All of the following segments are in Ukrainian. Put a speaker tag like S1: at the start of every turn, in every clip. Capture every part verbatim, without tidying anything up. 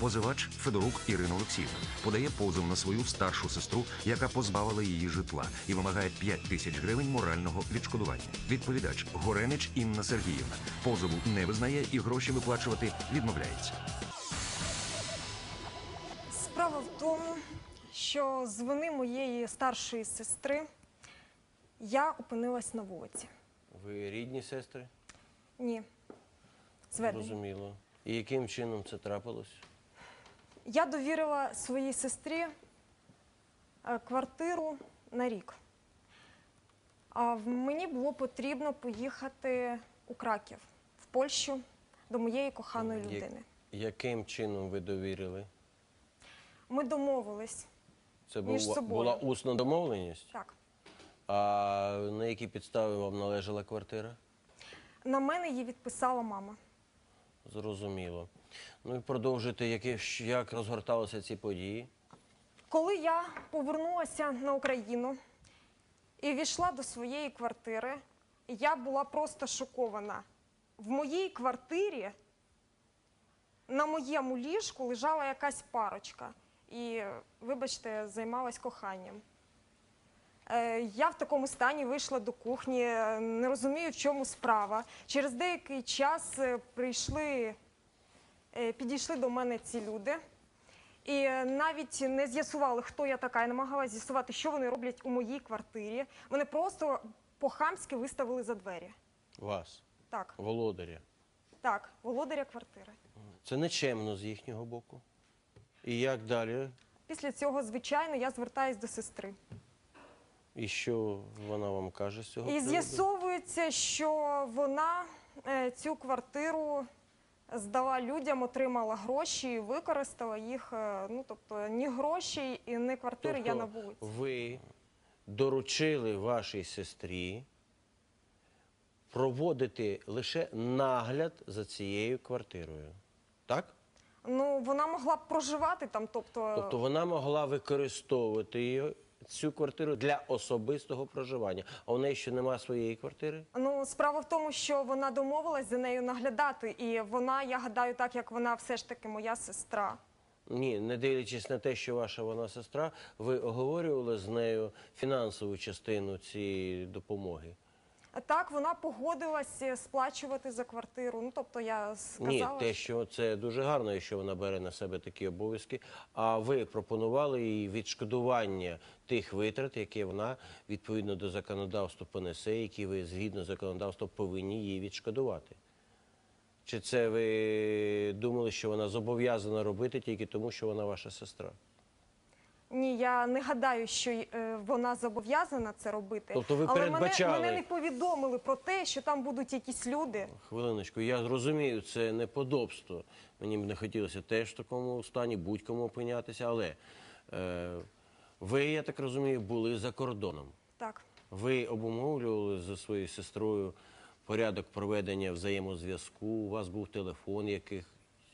S1: Позивач Федорук Ірина Олексіївна подає позов на свою старшу сестру, яка позбавила її житла, і вимагає п'ять тисяч гривень морального відшкодування. Відповідач Горенич Інна Сергіївна позову не визнає і гроші виплачувати відмовляється.
S2: Справа в тому, що з вини моєї старшої сестри я опинилась на вулиці.
S3: Ви рідні сестри?
S2: Ні. Зведені.
S3: Зрозуміло. І яким чином це трапилось?
S2: Я довірила своїй сестрі квартиру на рік. А мені було потрібно поїхати у Краків, в Польщу, до моєї коханої людини.
S3: Яким чином ви довірили?
S2: Ми домовились.
S3: Це
S2: між
S3: була,
S2: собою.
S3: була усна домовленість?
S2: Так.
S3: А на які підстави вам належала квартира?
S2: На мене її відписала мама.
S3: Зрозуміло. Ну і продовжуйте, які, як розгорталися ці події?
S2: Коли я повернулася на Україну і війшла до своєї квартири, я була просто шокована. В моїй квартирі на моєму ліжку лежала якась парочка. І, вибачте, займалась коханням. Я в такому стані вийшла до кухні, не розумію, в чому справа. Через деякий час прийшли, підійшли до мене ці люди. І навіть не з'ясували, хто я така. Я намагалася з'ясувати, що вони роблять у моїй квартирі. Вони просто по-хамськи виставили за двері.
S3: Вас?
S2: Так.
S3: Володаря?
S2: Так, володаря квартири.
S3: Це нечемно з їхнього боку. І як далі?
S2: Після цього, звичайно, я звертаюсь до сестри.
S3: І що вона вам каже з цього
S2: І
S3: приводу?
S2: з'ясовується, що вона е, цю квартиру здала людям, отримала гроші і використала їх. Е, ну, тобто, ні грошей і ні квартири
S3: Тобто,
S2: я на вулиці.
S3: ви доручили вашій сестрі проводити лише нагляд за цією квартирою, так?
S2: Ну, вона могла б проживати там, тобто...
S3: Тобто вона могла використовувати її, цю квартиру для особистого проживання. А у неї ще немає своєї квартири?
S2: Ну, справа в тому, що вона домовилась за нею наглядати, і вона, я гадаю, так як вона все ж таки моя сестра.
S3: Ні, не дивлячись на те, що ваша вона сестра, ви оговорювали з нею фінансову частину цієї допомоги?
S2: Так, вона погодилась сплачувати за квартиру. Ну, тобто я сказала...
S3: Ні, те, що це дуже гарно, що вона бере на себе такі обов'язки. А ви пропонували їй відшкодування тих витрат, які вона відповідно до законодавства понесе, які ви згідно законодавства повинні їй відшкодувати? Чи це ви думали, що вона зобов'язана робити тільки тому, що вона ваша сестра?
S2: Ні, я не гадаю, що е, вона зобов'язана це робити.
S3: Тобто ви
S2: але
S3: передбачали...
S2: мене, мене не повідомили про те, що там будуть якісь люди.
S3: Хвилиночку, я розумію, це неподобство. Мені б не хотілося теж в такому стані будь-кому опинятися, але е, ви, я так розумію, були за кордоном.
S2: Так.
S3: Ви обумовлювали зі своєю сестрою порядок проведення взаємозв'язку, у вас був телефон яких?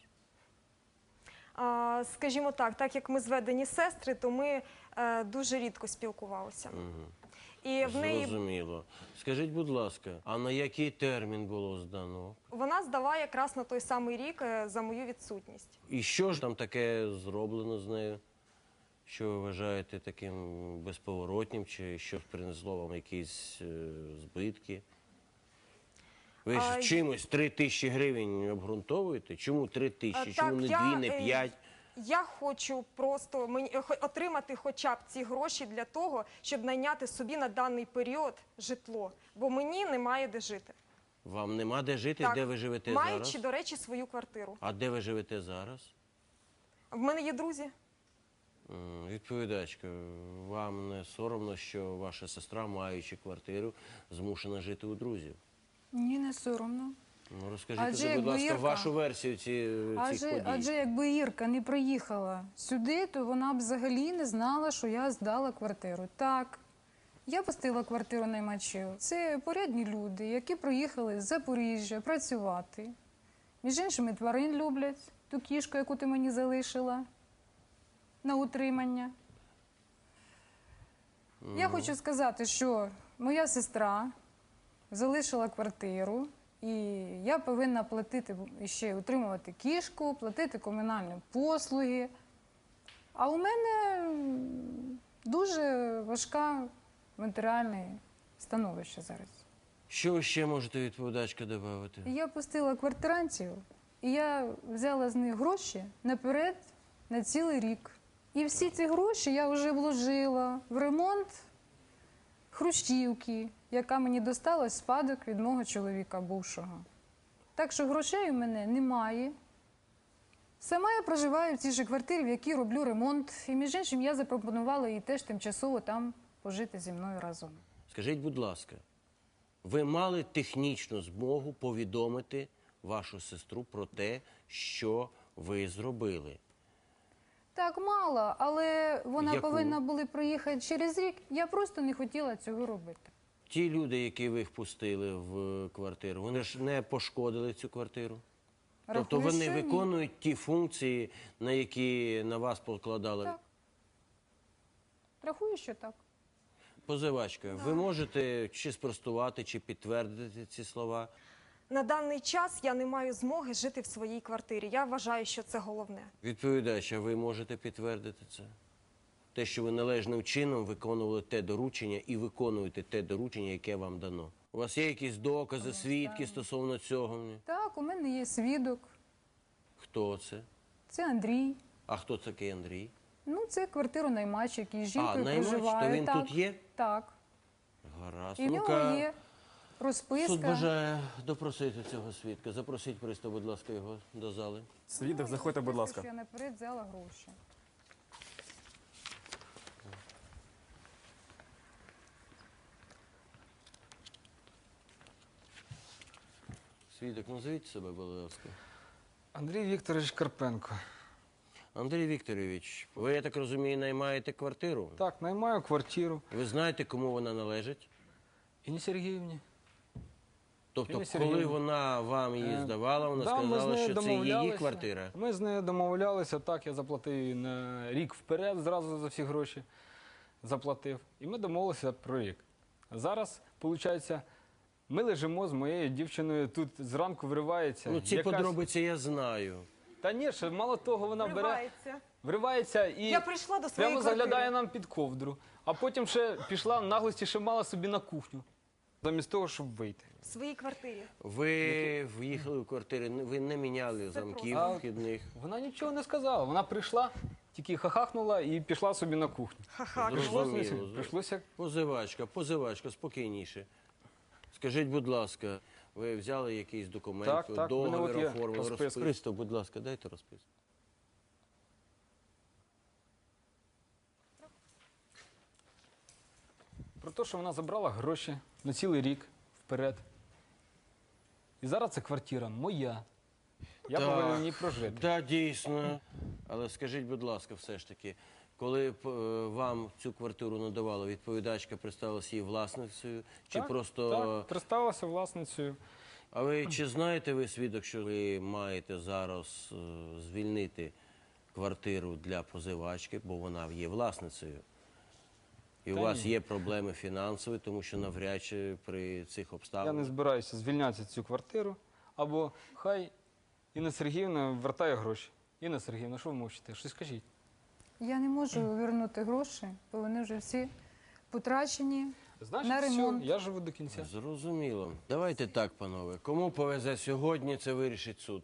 S2: А, скажімо так, так як ми зведені сестри, то ми е, дуже рідко спілкувалися.
S3: Угу.
S2: І в неї...
S3: Зрозуміло. Скажіть, будь ласка, а на який термін було здано?
S2: Вона здала якраз на той самий рік е, за мою відсутність.
S3: І що ж там таке зроблено з нею? Що ви вважаєте таким безповоротнім, чи що принесло вам якісь е, збитки? Ви ж
S2: А,
S3: чимось три тисячі гривень обґрунтовуєте? Чому три тисячі? Чому
S2: так,
S3: не
S2: я,
S3: дві, не
S2: е,
S3: п'ять?
S2: Я хочу просто мені, отримати хоча б ці гроші для того, щоб найняти собі на даний період житло. Бо мені немає де жити.
S3: Вам нема де жити?
S2: Так,
S3: де ви живете
S2: маючи,
S3: зараз?
S2: до речі, свою квартиру.
S3: А де ви живете зараз?
S2: В мене є друзі.
S3: М, Відповідачка, вам не соромно, що ваша сестра, маючи квартиру, змушена жити у друзів?
S4: Ні, не соромно.
S3: Ну, розкажіть,
S4: Адже
S3: будь
S4: якби
S3: ласка,
S4: Ірка-
S3: вашу версію ці, цих
S4: Адже,
S3: подій.
S4: адже якби Ірка не приїхала сюди, то вона б взагалі не знала, що я здала квартиру. Так, я пустила квартиру наймачів. Це порядні люди, які приїхали з Запоріжжя працювати. Між іншими, тварин люблять, ту кішку, яку ти мені залишила на утримання. Я хочу сказати, що моя сестра залишила квартиру І я повинна платити, ще утримувати кішку, платити комунальні послуги. А у мене м, дуже важка матеріальне становище зараз.
S3: Що ви ще можете, відповідачка, додати?
S4: І я пустила квартирантів, і я взяла з них гроші наперед на цілий рік. І всі ці гроші я вже вложила в ремонт хрущівки, яка мені досталась в спадок від мого чоловіка бувшого. Так що грошей у мене немає. Сама я проживаю в цій же квартирі, в якій роблю ремонт. І, між іншим, я запропонувала їй теж тимчасово там пожити зі мною разом.
S3: Скажіть, будь ласка, ви мали технічну змогу повідомити вашу сестру про те, що ви зробили?
S4: Так, мало, але вона
S3: Яку?
S4: повинна була приїхати через рік. Я просто не хотіла цього робити.
S3: Ті люди, які ви впустили в квартиру, вони ж не пошкодили цю квартиру? Тобто
S4: Рахую,
S3: вони
S4: що ні.
S3: виконують ті функції, на які на вас покладали?
S4: Так. Рахую, що так.
S3: Позивачка, ви можете чи спростувати, чи підтвердити ці слова?
S2: На даний час я не маю змоги жити в своїй квартирі. Я вважаю, що це головне.
S3: Відповідач, а ви можете підтвердити це? Те, що ви належним чином виконували те доручення і виконуєте те доручення, яке вам дано. У вас є якісь докази, свідки стосовно цього?
S4: Так, у мене є свідок.
S3: Хто це?
S4: Це Андрій.
S3: А хто такий Андрій?
S4: Ну, це квартиру-наймач, який з
S3: А,
S4: жінкою
S3: наймач,
S4: проживає.
S3: то він
S4: так,
S3: тут є?
S4: Так.
S3: Гаразд.
S4: І в нього
S3: Ну-ка,
S4: є розписка.
S3: суд бажає допросити цього свідка. Запросіть пристав, будь ласка, його до зали.
S5: Свідок, заходьте, будь ласка.
S4: Що я наперед взяла гроші.
S3: Свідок, назвіть себе, будь ласка.
S5: Андрій Вікторович Карпенко.
S3: Андрій Вікторович, ви, я так розумію, наймаєте квартиру?
S5: Так, наймаю квартиру.
S3: Ви знаєте, кому вона належить?
S5: Інні Сергіївні.
S3: Тобто,
S5: Інні
S3: коли
S5: Сергіївні.
S3: вона вам її
S5: Е,
S3: здавала, вона
S5: да, ми з
S3: сказала,
S5: нею
S3: що це її
S5: домовлялися.
S3: квартира?
S5: Ми з нею домовлялися, так, я заплатив їй на рік вперед, зразу за всі гроші заплатив. І ми домовилися про рік. Зараз, виходить, ми лежимо з моєю дівчиною, тут зранку вривається.
S3: Ну, ці
S5: якась-
S3: подробиці я знаю.
S5: Та ні, ще мало того, вона бере,
S2: Вривається.
S5: вривається і
S2: Я прийшла до своєї
S5: прямо
S2: квартири.
S5: заглядає нам під ковдру. А потім ще пішла в наглості, ще мала собі на кухню. Замість того, щоб вийти.
S2: В своїй квартирі.
S3: Ви в'їхали в квартиру, ви не міняли замків
S5: просто.
S3: вхідних.
S5: Вона нічого не сказала. Вона прийшла, тільки хахахнула і пішла собі на кухню.
S2: Ха-ха.
S3: Зрозуміло.
S5: Прийшлося, прийшлося.
S3: Позивачка, позивачка, спокійніше. Скажіть, будь ласка, ви взяли якийсь документ,
S5: Так, так, в мене
S3: договір
S5: от є
S3: оформили,
S5: розписка.
S3: розписку? Пристав, будь ласка, дайте розписку.
S5: Про те, що вона забрала гроші на цілий рік вперед. І зараз ця квартира моя. Я
S3: Так.
S5: повинен в ній прожити.
S3: Так, дійсно. Але скажіть, будь ласка, все ж таки, коли б, е, вам цю квартиру надавала, відповідачка представилася її власницею, чи
S5: Так,
S3: просто...
S5: Так, представилася власницею.
S3: А ви чи знаєте ви, свідок, що ви маєте зараз е, звільнити квартиру для позивачки, бо вона є власницею? І у
S5: Та
S3: вас
S5: ні.
S3: є проблеми фінансові, тому що навряд чи при цих
S5: Я не
S3: обставинах...
S5: збираюся звільняти цю квартиру. Або хай Інна Сергіївна вертає гроші. Інна Сергіївна, що ви мовчите? Щось скажіть.
S4: Я не можу повернути гроші, бо вони вже всі потрачені.
S5: Значить,
S4: На
S5: все,
S4: ремонт.
S5: я живу до кінця.
S3: Зрозуміло. Давайте так, панове. Кому повезе сьогодні, це вирішить суд.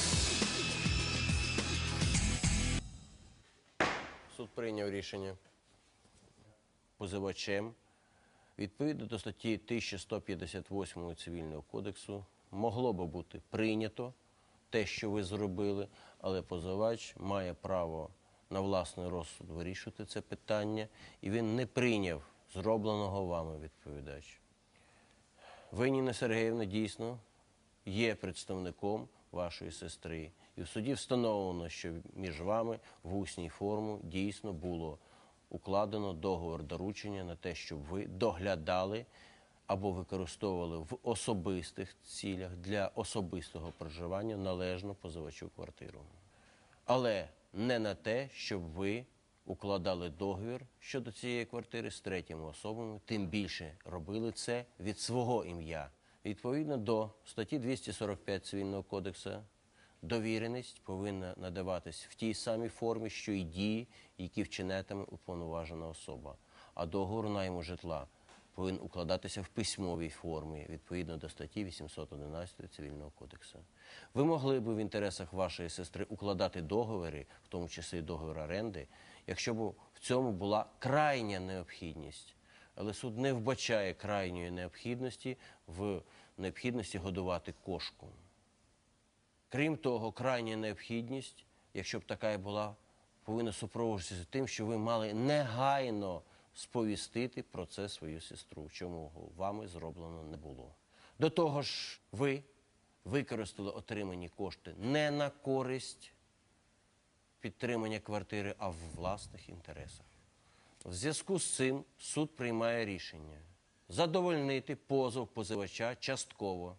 S3: Суд прийняв рішення позивачем. Відповідно до статті тисяча сто п'ятдесят восьмої Цивільного кодексу могло би бути прийнято те, що ви зробили, але позивач має право на власний розсуд вирішувати це питання, і він не прийняв зробленого вами, відповідач. Ви, Ніна Сергіївна, дійсно є представником вашої сестри. І в суді встановлено, що між вами в усній формі дійсно було укладено договір доручення на те, щоб ви доглядали або використовували в особистих цілях для особистого проживання належну позивачу квартиру. Але не на те, щоб ви укладали договір щодо цієї квартири з третіми особами, тим більше робили це від свого ім'я, Відповідно до статті двісті сорок п'ять Цивільного кодексу, довіреність повинна надаватись в тій самій формі, що й дії, які вчинятиме уповноважена особа. А договор найму житла повинен укладатися в письмовій формі, відповідно до статті вісімсот одинадцять Цивільного кодексу. Ви могли б в інтересах вашої сестри укладати договори, в тому числі договір оренди, якщо б в цьому була крайня необхідність. Але суд не вбачає крайньої необхідності в необхідності годувати кошку. Крім того, крайня необхідність, якщо б така і була, повинна супроводжуватися тим, що ви мали негайно сповістити про це свою сестру, чому вами зроблено не було. До того ж, ви використали отримані кошти не на користь підтримання квартири, а в власних інтересах. В зв'язку з цим суд приймає рішення задовольнити позов позивача частково,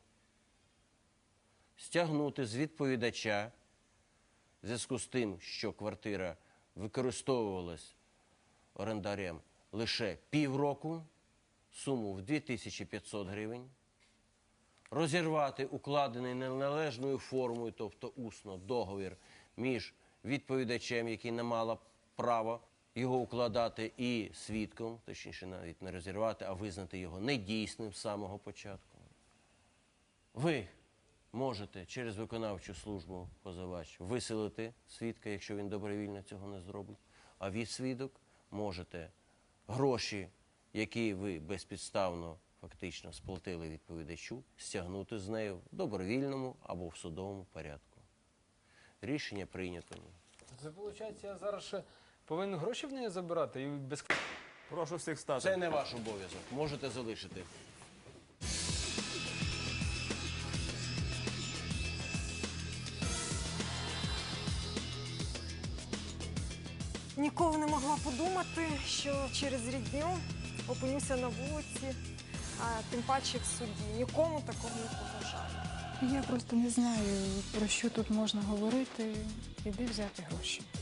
S3: стягнути з відповідача в зв'язку з тим, що квартира використовувалась орендарем лише півроку, суму в дві тисячі п'ятсот гривень, розірвати укладений неналежною формою, тобто усно, договір між відповідачем, який не мала права його укладати, і свідком, точніше навіть не розірвати, а визнати його недійсним з самого початку. Ви можете через виконавчу службу позивач виселити свідка, якщо він добровільно цього не зробить, а ви, свідок, можете гроші, які ви безпідставно фактично сплатили відповідачу, стягнути з нею в добровільному або в судовому порядку. Рішення прийнято.
S5: Це виходить, я зараз ще повинен гроші в неї забирати і без...
S6: Прошу всіх стати.
S3: Це не ваш обов'язок. Можете залишити.
S2: Ніколи не могла подумати, що через рідню опинюся на вулиці, а тим паче в суді. Нікому такого не побажаю.
S4: Я просто не знаю, про що тут можна говорити і де взяти гроші.